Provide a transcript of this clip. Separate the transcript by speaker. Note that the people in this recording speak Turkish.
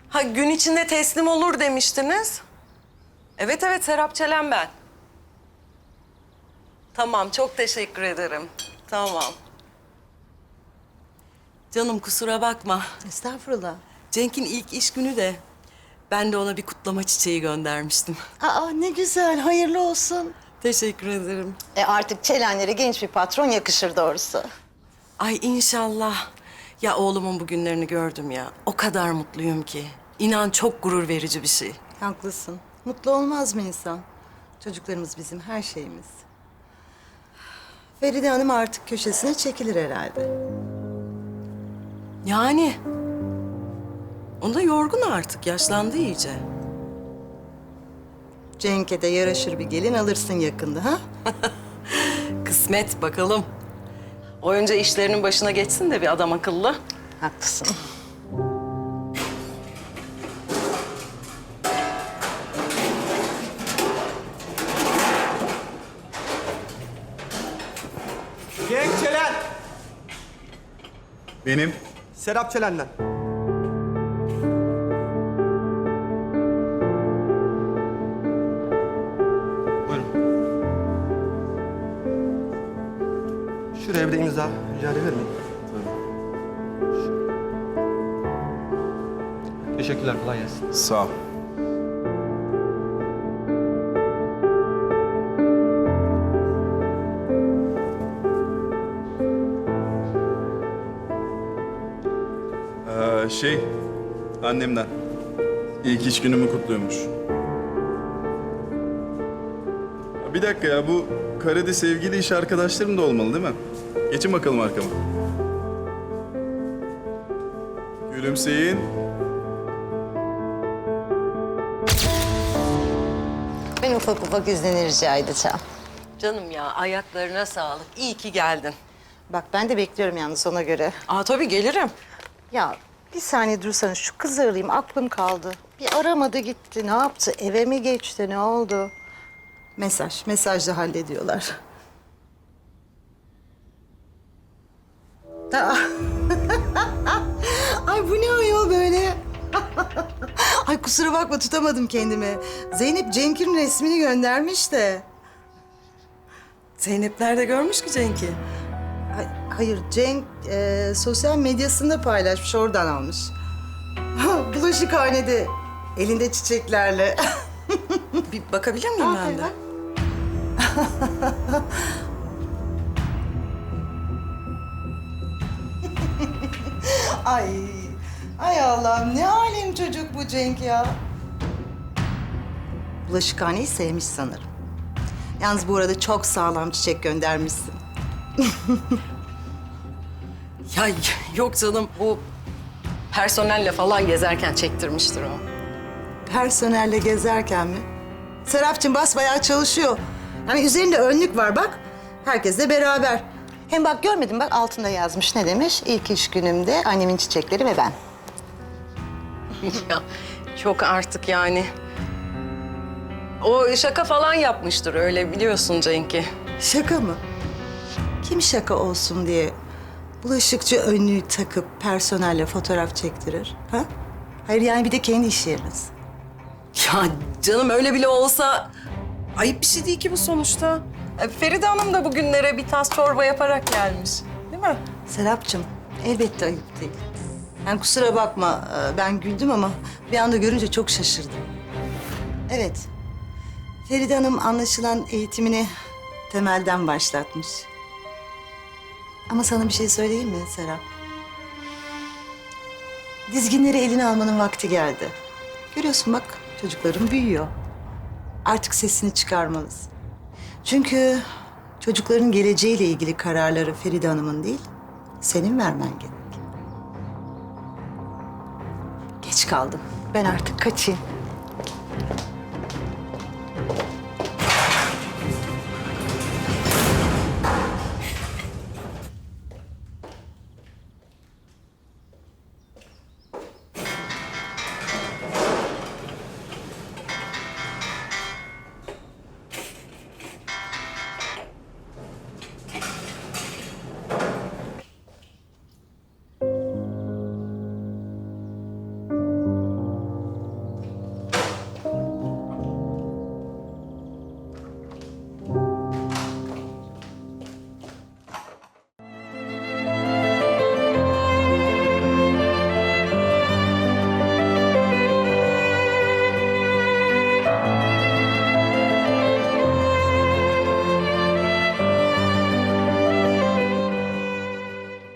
Speaker 1: Ha, gün içinde teslim olur demiştiniz. Evet evet, Serap Çelen ben. Tamam, çok teşekkür ederim. Tamam. Canım kusura bakma.
Speaker 2: Estağfurullah.
Speaker 1: Cenk'in ilk iş günü de ben de ona bir kutlama çiçeği göndermiştim.
Speaker 2: Aa ne güzel, hayırlı olsun.
Speaker 1: Teşekkür ederim.
Speaker 2: Artık Çelenlere genç bir patron yakışır doğrusu.
Speaker 1: Ay inşallah. Ya oğlumun bu günlerini gördüm ya. O kadar mutluyum ki. İnan çok gurur verici bir şey.
Speaker 2: Haklısın. Mutlu olmaz mı insan? Çocuklarımız bizim her şeyimiz. Feride Hanım artık köşesine çekilir herhalde.
Speaker 1: Yani. O da yorgun artık. Yaşlandı iyice.
Speaker 2: Cenk'e de yaraşır bir gelin alırsın yakında ha?
Speaker 1: Kısmet bakalım. O önce işlerinin başına geçsin de bir adam akıllı.
Speaker 2: Haklısın.
Speaker 3: Cenk Çelen.
Speaker 4: Benim.
Speaker 3: Serap Çelen'den. Buyurun. Şuraya bir de imza rica edebilir miyim? Teşekkürler, kolay gelsin.
Speaker 4: Sağ ol. Annemden. İlk iş günümü kutluyormuş. Bir dakika ya, bu karede sevgili iş arkadaşlarım da olmalı değil mi? Geçin bakalım arkama. Gülümseyin.
Speaker 2: Ben ufak ufak iznini rica edeceğim.
Speaker 1: Canım ya, ayaklarına sağlık. İyi ki geldin.
Speaker 2: Bak ben de bekliyorum yalnız ona göre.
Speaker 1: Aa tabii gelirim.
Speaker 2: Ya bir saniye dursana, şu kızı arayayım, aklım kaldı. Bir aramadı gitti, ne yaptı? Eve mi geçti, ne oldu? Mesajla hallediyorlar. Aa. Ay bu ne ayol böyle? Ay kusura bakma, tutamadım kendimi. Zeynep Cenk'in resmini göndermiş de.
Speaker 1: Zeynep nerede görmüş ki Cenk'i?
Speaker 2: Hayır, Cenk sosyal medyasında paylaşmış, oradan almış. Bulaşıkhanede, elinde çiçeklerle.
Speaker 1: Bir bakabilir miyim ben de?
Speaker 2: bak. Ay Allah'ım, ne alem çocuk bu Cenk ya. Bulaşıkhaneyi sevmiş sanırım. Yalnız bu arada çok sağlam çiçek göndermişsin.
Speaker 1: Ya yok canım, bu personelle falan gezerken çektirmiştir o.
Speaker 2: Personelle gezerken mi? Serapcığım basbayağı çalışıyor. Yani üzerinde önlük var bak. Herkesle beraber. Hem bak görmedim, bak altında yazmış, ne demiş? İlk iş günümde annemin çiçekleri ve ben.
Speaker 1: Ya çok artık yani. O şaka falan yapmıştır öyle, biliyorsun Cenk'i.
Speaker 2: Şaka mı? Kim şaka olsun diye bulaşıkçı önlüğü takıp personelle fotoğraf çektirir? Ha? Hayır yani bir de kendi iş yeriniz.
Speaker 1: Ya canım öyle bile olsa ayıp bir şey değil ki bu sonuçta. Feride Hanım da bugünlere bir tas çorba yaparak gelmiş. Değil mi?
Speaker 2: Serapcığım, elbette ayıp değil. Yani kusura bakma, ben güldüm ama bir anda görünce çok şaşırdım. Evet, Feride Hanım anlaşılan eğitimini temelden başlatmış. Ama sana bir şey söyleyeyim mi Serap? Dizginleri eline almanın vakti geldi. Görüyorsun bak, çocukların büyüyor. Artık sesini çıkarmalısın. Çünkü çocukların geleceğiyle ilgili kararları Feride Hanım'ın değil, senin vermen gerek. Geç kaldım. Ben artık kaçayım.